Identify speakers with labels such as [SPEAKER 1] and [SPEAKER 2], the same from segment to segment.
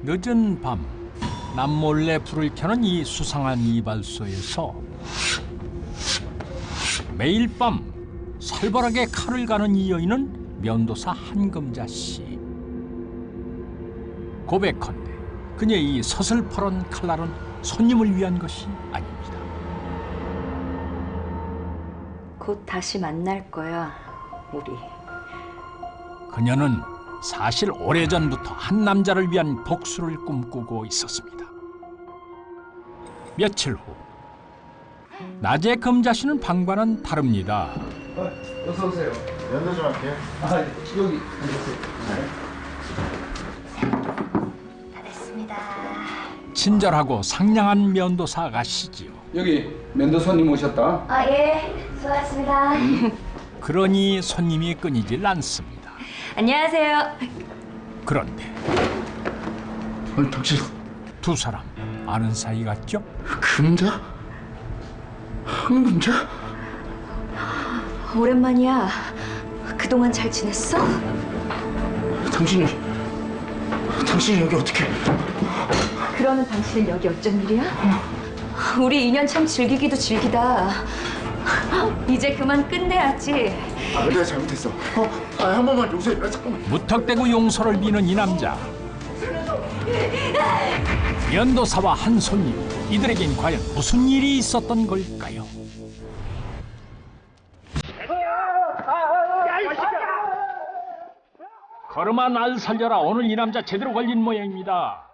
[SPEAKER 1] 늦은 밤 남몰래 불을 켜는 이 수상한 이발소에서 매일 밤 살벌하게 칼을 가는 이 여인은 면도사 한금자 씨. 고백컨대 그녀의 이 서슬퍼런 칼날은 손님을 위한 것이 아닙니다.
[SPEAKER 2] 곧 다시 만날 거야, 우리.
[SPEAKER 1] 그녀는 사실 오래전부터 한 남자를 위한 복수를 꿈꾸고 있었습니다. 며칠 후 낮에 금자 씨는 방과는 다릅니다.
[SPEAKER 3] 어서 오세요. 연도 좀 할게요. 여기 앉으세요.
[SPEAKER 2] 다 됐습니다.
[SPEAKER 1] 친절하고 상냥한 면도사 아가씨지요.
[SPEAKER 3] 여기 면도 손님 오셨다.
[SPEAKER 2] 아, 예. 수고하셨습니다.
[SPEAKER 1] 그러니 손님이 끊이질 않습니다.
[SPEAKER 2] 안녕하세요.
[SPEAKER 1] 그런데
[SPEAKER 3] 아니 당신
[SPEAKER 1] 두 사람 아는 사이 같죠?
[SPEAKER 3] 금자? 한금자?
[SPEAKER 2] 오랜만이야. 그동안 잘 지냈어?
[SPEAKER 3] 당신이 여기 어떻게?
[SPEAKER 2] 그러는 당신은 여기 어쩐 일이야? 우리 인연 참 즐기기도 즐기다. 이제 그만 끝내야지.
[SPEAKER 3] 내가 잘못했어. 한 번만 용서해. 잠깐만.
[SPEAKER 1] 무턱대고 용서를 비는 이 남자. 면도사와 한 손님, 이들에겐 과연 무슨 일이 있었던 걸까요? 걸음아 날 살려라. 오늘 이 남자 제대로 걸린 모양입니다.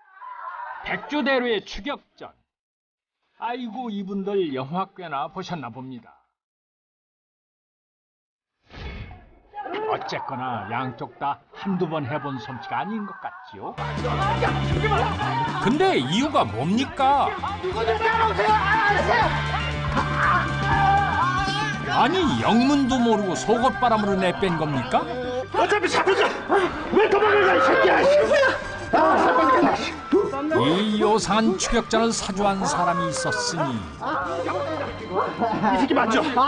[SPEAKER 1] 백주대로의 추격전. 아이고 이분들 영화 꽤나 보셨나 봅니다. 어쨌거나 양쪽 다 한두 번 해본 솜씨가 아닌 것 같지요? 근데 이유가 뭡니까? 아니 영문도 모르고 속옷바람으로 내뺀 겁니까?
[SPEAKER 4] 어차피 잡혔어. 왜 도망가 이 새끼야.
[SPEAKER 1] 이 요상한 추격전을 사주한 사람이 있었으니
[SPEAKER 4] 이 새끼 맞죠? 이거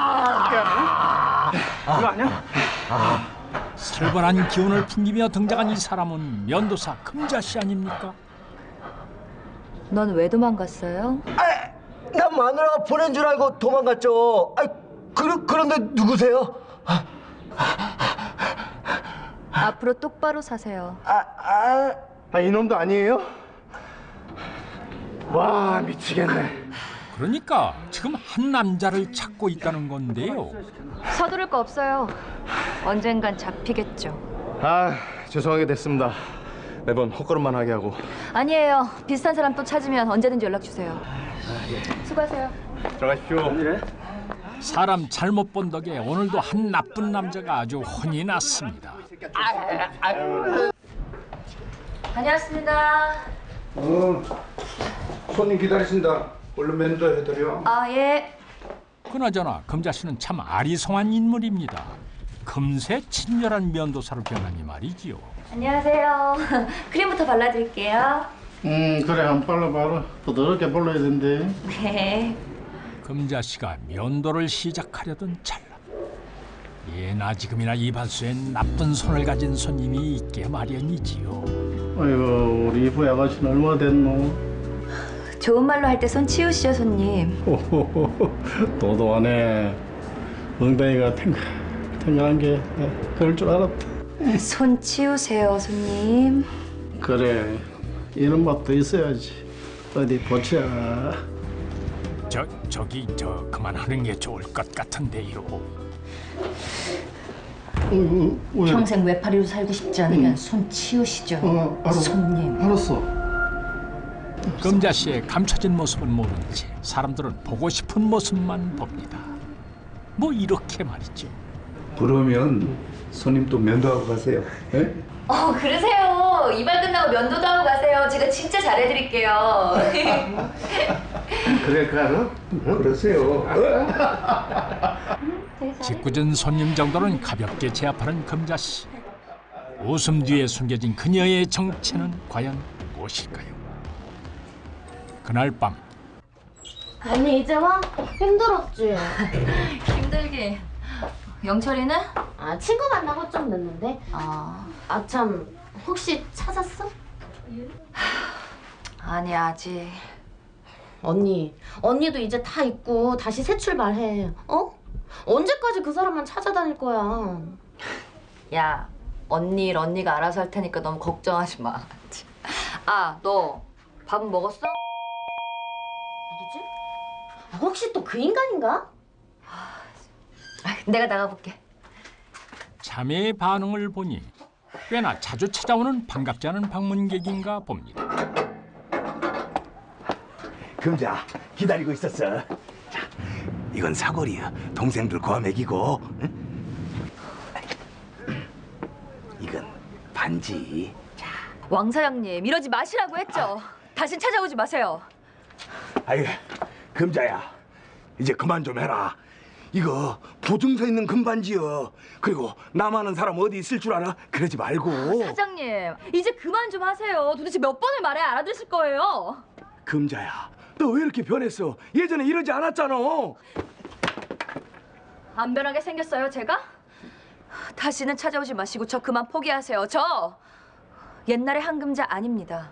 [SPEAKER 4] 아니야?
[SPEAKER 1] 살벌한 기운을 풍기며 등장한 이 사람은 면도사 금자 씨 아닙니까?
[SPEAKER 2] 넌 왜 도망갔어요?
[SPEAKER 5] 난 마누라가 보낸 줄 알고 도망갔죠. 그런데 누구세요?
[SPEAKER 2] 앞으로 똑바로 사세요.
[SPEAKER 4] 이놈도 아니에요? 와 미치겠네.
[SPEAKER 1] 그러니까 지금 한 남자를 찾고 있다는 건데요.
[SPEAKER 2] 서두를 거 없어요. 언젠간 잡히겠죠.
[SPEAKER 4] 죄송하게 됐습니다. 매번 헛걸음만 하게 하고.
[SPEAKER 2] 아니에요. 비슷한 사람 또 찾으면 언제든지 연락 주세요. 수고하세요.
[SPEAKER 4] 들어가십시오.
[SPEAKER 1] 사람 잘못 본 덕에 오늘도 한 나쁜 남자가 아주 혼이 났습니다.
[SPEAKER 2] 다녀왔습니다.
[SPEAKER 3] 손님 기다리신다. 얼른 면도 해드려.
[SPEAKER 2] 아, 예.
[SPEAKER 1] 그나저나 금자 씨는 참 아리송한 인물입니다. 금세 친절한 면도사로 변하니 말이지요.
[SPEAKER 2] 안녕하세요. 크림부터 발라드릴게요.
[SPEAKER 6] 그래 한 발라봐라. 부드럽게 발라야 된대.
[SPEAKER 2] 네.
[SPEAKER 1] 금자 씨가 면도를 시작하려던 찰나 예나 지금이나 이발소엔 나쁜 손을 가진 손님이 있게 마련이지요.
[SPEAKER 6] 아이고 우리 이부 아가씨는 얼마 됐노?
[SPEAKER 2] 좋은 말로 할 때 손 치우시죠, 손님.
[SPEAKER 6] 호호호호 도도하네. 엉덩이가 탱글한 게 그럴 줄 알았다.
[SPEAKER 2] 손 치우세요, 손님.
[SPEAKER 6] 그래 이런 맛도 있어야지. 어디 보자.
[SPEAKER 1] 저기 그만하는 게 좋을 것 같은데요.
[SPEAKER 6] 왜?
[SPEAKER 2] 평생 외파리로 살고 싶지 않으면 손 치우시죠,
[SPEAKER 6] 알았어.
[SPEAKER 2] 손님.
[SPEAKER 6] 알았어.
[SPEAKER 1] 금자 씨의 감춰진 모습을 모른 채 사람들은 보고 싶은 모습만 봅니다. 뭐 이렇게 말이죠.
[SPEAKER 3] 그러면 손님 또 면도하고 가세요. 예?
[SPEAKER 2] 그러세요. 이발 끝나고 면도도 하고 가세요. 제가 진짜 잘해드릴게요.
[SPEAKER 3] 그래 가라. 그러세요.
[SPEAKER 1] 짓궂은 손님 정도는 가볍게 제압하는 금자 씨. 웃음 뒤에 숨겨진 그녀의 정체는 과연 무엇일까요? 그날 밤
[SPEAKER 7] 언니 이제 와? 힘들었지?
[SPEAKER 2] 힘들게. 영철이는?
[SPEAKER 7] 친구 만나고 좀 늦는데? 참 혹시 찾았어?
[SPEAKER 2] 아니 아직.
[SPEAKER 7] 언니도 이제 다 잊고 다시 새 출발해. 어? 언제까지 그 사람만 찾아다닐 거야?
[SPEAKER 2] 야, 언니가 알아서 할 테니까 너무 걱정하지 마. 아, 너 밥은 먹었어?
[SPEAKER 7] 누구지? 혹시 또 그 인간인가?
[SPEAKER 2] 내가 나가볼게.
[SPEAKER 1] 자매의 반응을 보니 꽤나 자주 찾아오는 반갑지 않은 방문객인가 봅니다.
[SPEAKER 8] 금자 기다리고 있었어. 자, 이건 사골이야. 동생들 고아먹이고. 응? 이건 반지.
[SPEAKER 2] 왕 사장님, 이러지 마시라고 했죠. 다신 찾아오지 마세요.
[SPEAKER 8] 아유, 금자야. 이제 그만 좀 해라. 이거 보증서 있는 금반지여. 그리고 남아는 사람 어디 있을 줄 알아? 그러지 말고.
[SPEAKER 2] 사장님, 이제 그만 좀 하세요. 도대체 몇 번을 말해야 알아들으실 거예요.
[SPEAKER 8] 금자야, 너 왜 이렇게 변했어? 예전에 이러지 않았잖아.
[SPEAKER 2] 안 변하게 생겼어요, 제가? 다시는 찾아오지 마시고 저 그만 포기하세요. 저 옛날의 한금자 아닙니다.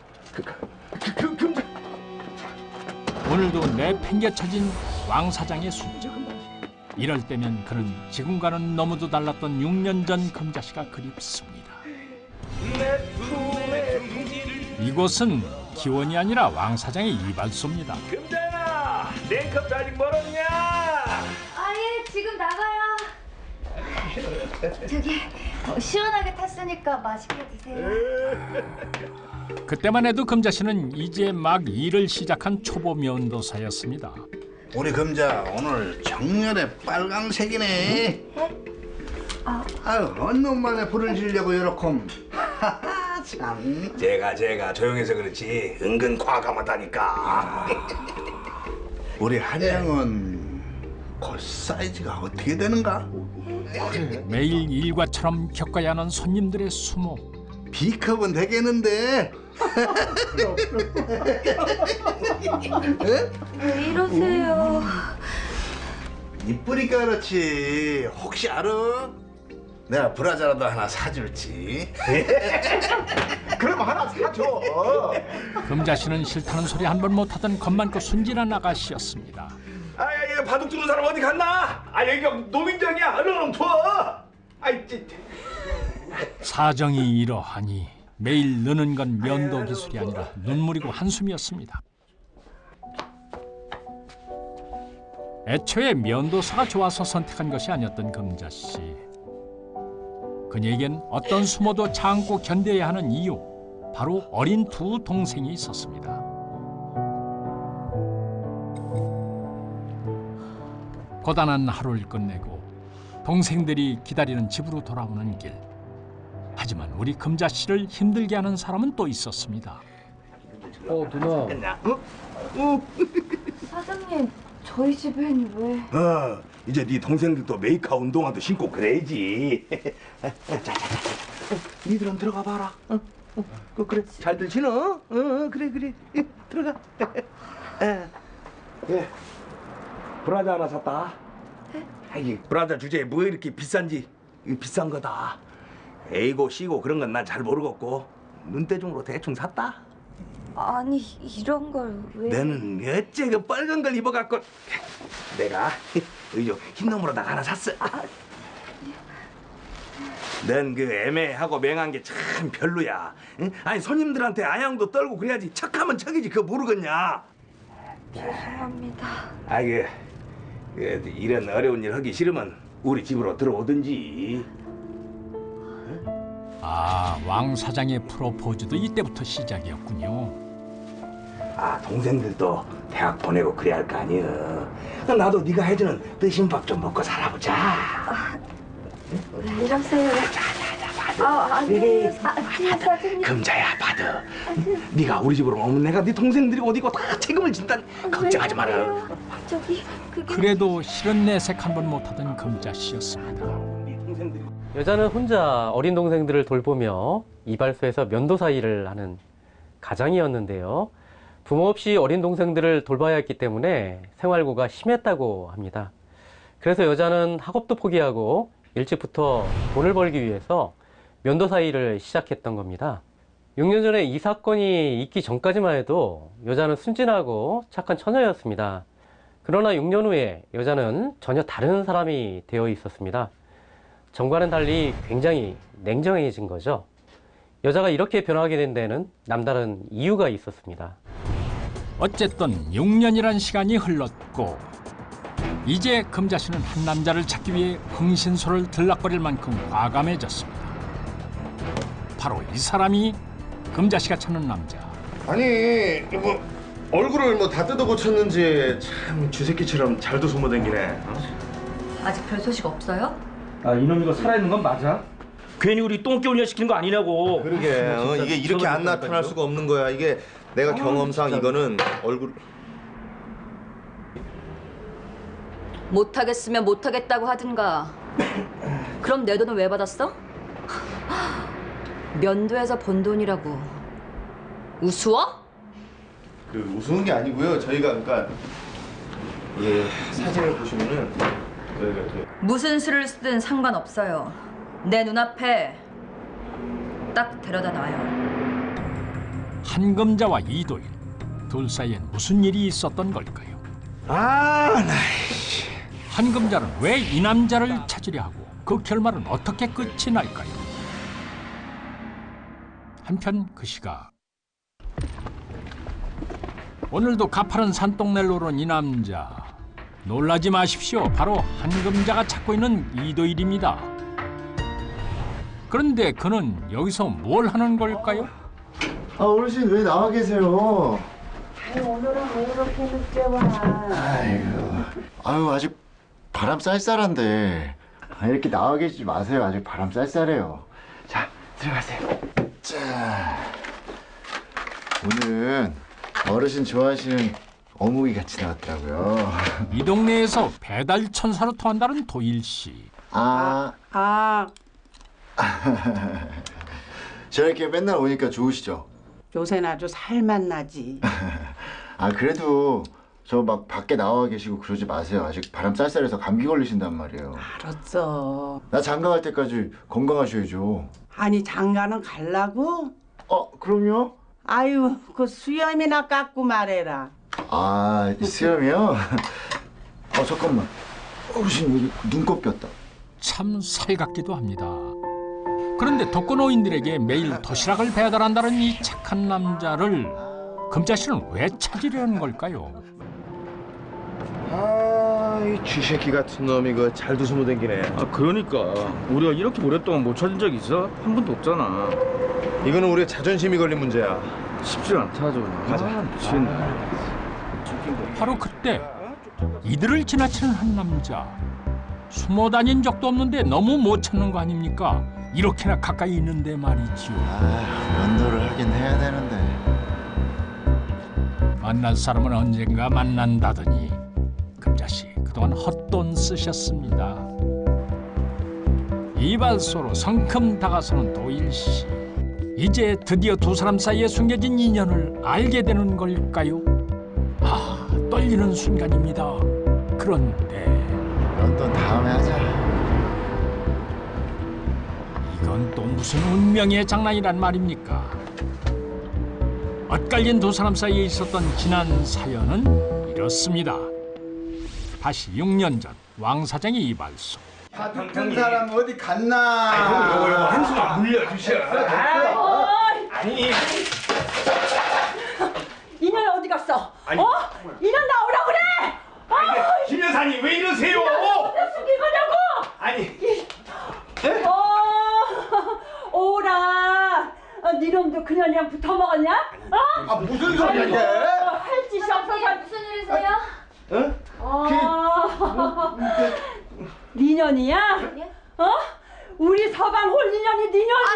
[SPEAKER 8] 금자.
[SPEAKER 1] 오늘도 내팽개쳐진 왕 사장의 순정. 이럴 때면 그는 지금과는 너무도 달랐던 6년 전 금자씨가 그립습니다. 이곳은 기원이 아니라 왕 사장의 이발소입니다.
[SPEAKER 8] 금자야, 메이크업 아직 멀었냐?
[SPEAKER 2] 아예 지금 나가요. 저기 시원하게 탔으니까 맛있게 드세요.
[SPEAKER 1] 그때만 해도 금자씨는 이제 막 일을 시작한 초보 면도사였습니다.
[SPEAKER 6] 우리 금자 오늘 정렬의 빨강색이네. 아유, 어느 놈만에 불을 지려고 요렇게. 하하, 참.
[SPEAKER 8] 제가 조용해서 그렇지 은근 과감하다니까.
[SPEAKER 6] 우리 한양은 그 사이즈가 어떻게 되는가?
[SPEAKER 1] 매일 일과처럼 겪어야 하는 손님들의 수모.
[SPEAKER 6] B컵은 되겠는데.
[SPEAKER 2] 왜 이러세요?
[SPEAKER 6] 이쁘니까 그렇지. 혹시 알아? 내가 브라자라도 하나 사줄지.
[SPEAKER 8] 그럼 하나 사줘.
[SPEAKER 1] 금자씨는 싫다는 소리 한 번 못하던 겁많고 순진한 아가씨였습니다.
[SPEAKER 8] 이거 바둑 두는 사람 어디 갔나? 여기가 노민정이야. 얼른 부어.
[SPEAKER 1] 사정이 이러하니 매일 느는 건 면도 기술이 아니라 눈물이고 한숨이었습니다. 애초에 면도사가 좋아서 선택한 것이 아니었던 금자씨. 그녀에겐 어떤 수모도 참고 견뎌야 하는 이유, 바로 어린 두 동생이 있었습니다. 고단한 하루를 끝내고 동생들이 기다리는 집으로 돌아오는 길. 하지만 우리 금자씨를 힘들게 하는 사람은 또 있었습니다.
[SPEAKER 4] 누나.
[SPEAKER 2] 사장님, 저희 집엔 왜?
[SPEAKER 8] 이제 네 동생들도 메이커 운동화도 신고 그래야지. 자. 니들은 들어가 봐라. 그래. 잘들 지너? 그래. 들어가. 예. 브라자 하나 샀다. 이 브라자 주제에 뭐 이렇게 비싼지. 이거 비싼 거다. A고 C고 그런 건 난 잘 모르겠고 눈대중으로 대충 샀다.
[SPEAKER 2] 아니, 이런 걸 왜?
[SPEAKER 8] 너는 어째 그 빨간 걸 입어갖고 내가 의조 흰 놈으로다가 하나 샀어. 넌 그 애매하고 맹한 게 참 별로야. 응? 아니 손님들한테 아양도 떨고 그래야지. 척하면 척이지. 그거 모르겠냐?
[SPEAKER 2] 죄송합니다.
[SPEAKER 8] 이런 어려운 일 하기 싫으면 우리 집으로 들어오든지.
[SPEAKER 1] 왕 사장의 프로포즈도 이때부터 시작이었군요.
[SPEAKER 8] 동생들도 대학 보내고 그래야 할 거 아니야. 나도 네가 해주는 뜨신밥 좀 먹고 살아보자.
[SPEAKER 2] 왜 이러세요? 아니에요. 사장님.
[SPEAKER 8] 금자야, 받아. 네가 우리 집으로 오면 내가 네 동생들이 어디 있고 다 책임을 진다니. 걱정하지 마라.
[SPEAKER 2] 저기, 그게...
[SPEAKER 1] 그래도 실은 내색 한 번 못하던 금자씨였습니다.
[SPEAKER 8] 네 동생들이
[SPEAKER 9] 여자는 혼자 어린 동생들을 돌보며 이발소에서 면도사 일을 하는 가장이었는데요. 부모 없이 어린 동생들을 돌봐야 했기 때문에 생활고가 심했다고 합니다. 그래서 여자는 학업도 포기하고 일찍부터 돈을 벌기 위해서 면도사 일을 시작했던 겁니다. 6년 전에 이 사건이 있기 전까지만 해도 여자는 순진하고 착한 처녀였습니다. 그러나 6년 후에 여자는 전혀 다른 사람이 되어 있었습니다. 전과는 달리 굉장히 냉정해진 거죠. 여자가 이렇게 변하게 된 데는 남다른 이유가 있었습니다.
[SPEAKER 1] 어쨌든 6년이란 시간이 흘렀고 이제 금자 씨는 한 남자를 찾기 위해 흥신소를 들락거릴 만큼 과감해졌습니다. 바로 이 사람이 금자 씨가 찾는 남자.
[SPEAKER 4] 아니 뭐 얼굴을 뭐 다 뜯어 고쳤는지 참 쥐새끼처럼 잘도 소모댕기네.
[SPEAKER 2] 아직 별 소식 없어요?
[SPEAKER 8] 아 이놈이가 살아있는 건 맞아? 괜히 우리 똥개훈련 시키는 거 아니냐고.
[SPEAKER 4] 그러게 이게 이렇게 안 나타날 수가 없는 거야. 이게 내가 경험상 이거는 얼굴
[SPEAKER 2] 못하겠으면 못하겠다고 하든가. 그럼 내 돈은 왜 받았어? 면도에서 번 돈이라고. 우스워?
[SPEAKER 4] 그 우스운 게 아니고요. 저희가 그러니까 예 사진을 보시면은 저희가 이렇게
[SPEAKER 2] 무슨 수를 쓰든 상관없어요. 내 눈앞에 딱 데려다 놔요.
[SPEAKER 1] 한금자와 이도일 둘 사이엔 무슨 일이 있었던 걸까요? 한금자는 왜 이 남자를 찾으려 하고 그 결말은 어떻게 끝이 날까요? 한편 그 시각 오늘도 가파른 산동네를 오른 이 남자. 놀라지 마십시오. 바로 한금자가 찾고 있는 이도일입니다. 그런데 그는 여기서 뭘 하는 걸까요?
[SPEAKER 3] 아 어르신 왜 나와 계세요?
[SPEAKER 10] 오늘은 왜 이렇게 늦게 와?
[SPEAKER 3] 아유 아직 바람 쌀쌀한데 이렇게 나와 계시지 마세요. 아직 바람 쌀쌀해요. 자 들어가세요. 자 오늘은 어르신 좋아하시는 어묵이 같이 나왔더라고요.
[SPEAKER 1] 이 동네에서 배달 천사로 통한다는 도일 씨.
[SPEAKER 3] 저렇게 맨날 오니까 좋으시죠?
[SPEAKER 10] 요새는 아주 살만 나지.
[SPEAKER 3] 아 그래도 저 막 밖에 나와 계시고 그러지 마세요. 아직 바람 쌀쌀해서 감기 걸리신단 말이에요.
[SPEAKER 10] 알았어.
[SPEAKER 3] 나 장가 갈 때까지 건강하셔야죠.
[SPEAKER 10] 아니 장가는 갈라고?
[SPEAKER 3] 그럼요.
[SPEAKER 10] 아유 그 수염이나 깎고 말해라.
[SPEAKER 3] 아 수염이요? 잠깐만. 어르신 여기 눈곱 꼈다.
[SPEAKER 1] 참 살갑기도 합니다. 그런데 독거노인들에게 매일 도시락을 배달한다는 이 착한 남자를 금자 씨는 왜 찾으려는 걸까요?
[SPEAKER 4] 이 쥐새끼 같은 놈이 그 잘도 소모댕기네.
[SPEAKER 8] 아 그러니까 우리가 이렇게 오랫동안 못 찾은 적 있어? 한 번도 없잖아.
[SPEAKER 4] 이거는 우리의 자존심이 걸린 문제야.
[SPEAKER 8] 쉽지 않다 저.
[SPEAKER 4] 가자.
[SPEAKER 8] 미치겠네.
[SPEAKER 1] 바로 그때 이들을 지나치는 한 남자. 숨어 다닌 적도 없는데 너무 못 찾는 거 아닙니까? 이렇게나 가까이 있는데 말이지요.
[SPEAKER 3] 면도를 하긴 해야 되는데.
[SPEAKER 1] 만날 사람은 언젠가 만난다더니 금자씨 그동안 헛돈 쓰셨습니다. 이발소로 성큼 다가서는 도일씨. 이제 드디어 두 사람 사이에 숨겨진 인연을 알게 되는 걸까요? 떨리는 순간입니다. 그런데
[SPEAKER 3] 면도 다음에 하자.
[SPEAKER 1] 이건 또 무슨 운명의 장난이란 말입니까? 엇갈린 두 사람 사이에 있었던 지난 사연은 이렇습니다. 다시 6년 전 왕 사장의 이발소.
[SPEAKER 3] 한 사람 어디 갔나?
[SPEAKER 8] 요거 한숨 물려주셔. 아니
[SPEAKER 10] 인연 어디 갔어?
[SPEAKER 8] 아니.
[SPEAKER 10] 인연 나오라 그래!
[SPEAKER 8] 김 여사님 왜 이러세요?
[SPEAKER 10] 숙인 거냐고!
[SPEAKER 8] 아니
[SPEAKER 10] 오라! 니놈도 그년이랑 붙어 먹었냐?
[SPEAKER 3] 무슨 소리야 이게?
[SPEAKER 10] 할 짓이 없어서
[SPEAKER 2] 무슨 일이세요?
[SPEAKER 10] 니년이야? 우리 서방 홀 니년이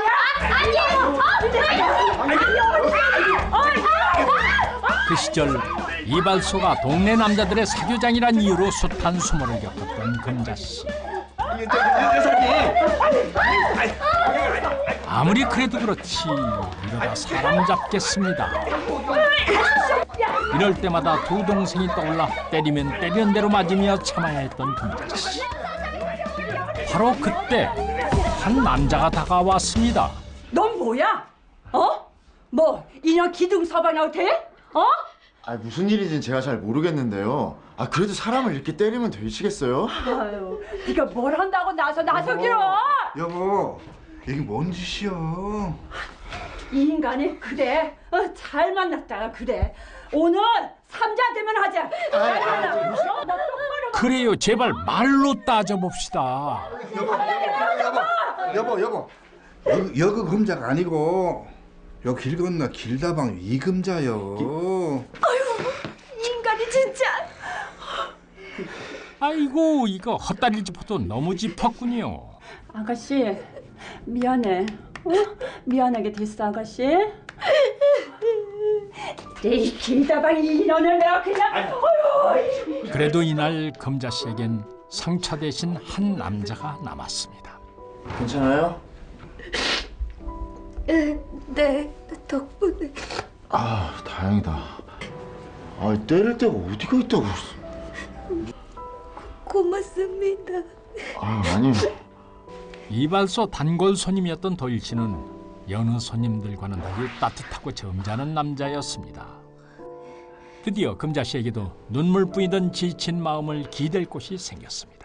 [SPEAKER 1] 그 시절 이발소가 동네 남자들의 사교장이란 이유로 숱한 수모를 겪었던 금자씨. 아무리 그래도 그렇지 이러다 사람 잡겠습니다. 이럴 때마다 두 동생이 떠올라 때리면 때리는 대로 맞으며 참아야 했던 금자씨. 바로 그때 한 남자가 다가왔습니다.
[SPEAKER 10] 넌 뭐야?
[SPEAKER 11] 뭐 인연 기둥 서방이라고 돼? 어?
[SPEAKER 3] 아 무슨 일인지는 제가 잘 모르겠는데요. 아 그래도 사람을 이렇게 때리면 되시겠어요?
[SPEAKER 11] 아유, 네가 뭘 한다고 나서기로?
[SPEAKER 6] 여보, 이게 뭔 짓이야?
[SPEAKER 11] 이 인간이 그래. 잘 만났다가 그래. 오늘 삼자 되면 하자.
[SPEAKER 1] 그래요, 제발 말로 따져봅시다.
[SPEAKER 6] 여보. 여그 금자가 아니고 여 길 건너 길다방 이금자요.
[SPEAKER 2] 이 인간이 진짜.
[SPEAKER 1] 아이고, 이거 헛다리 짚어도 너무 짚었군요.
[SPEAKER 11] 아가씨 미안해. 미안하게 됐어 아가씨. 이 길다방 인연을 내가 그냥.
[SPEAKER 1] 그래도 이날 금자 씨에겐 상처 대신 한 남자가 남았습니다.
[SPEAKER 3] 괜찮아요?
[SPEAKER 2] 네, 덕분에.
[SPEAKER 3] 아 다행이다. 아 때릴 데가 어디가 있다고.
[SPEAKER 2] 고맙습니다.
[SPEAKER 3] 아 아니.
[SPEAKER 1] 이발소 단골 손님이었던 도일 씨는 여느 손님들과는 달리 따뜻하고 점잖은 남자였습니다. 드디어 금자 씨에게도 눈물 뿌이던 지친 마음을 기댈 곳이 생겼습니다.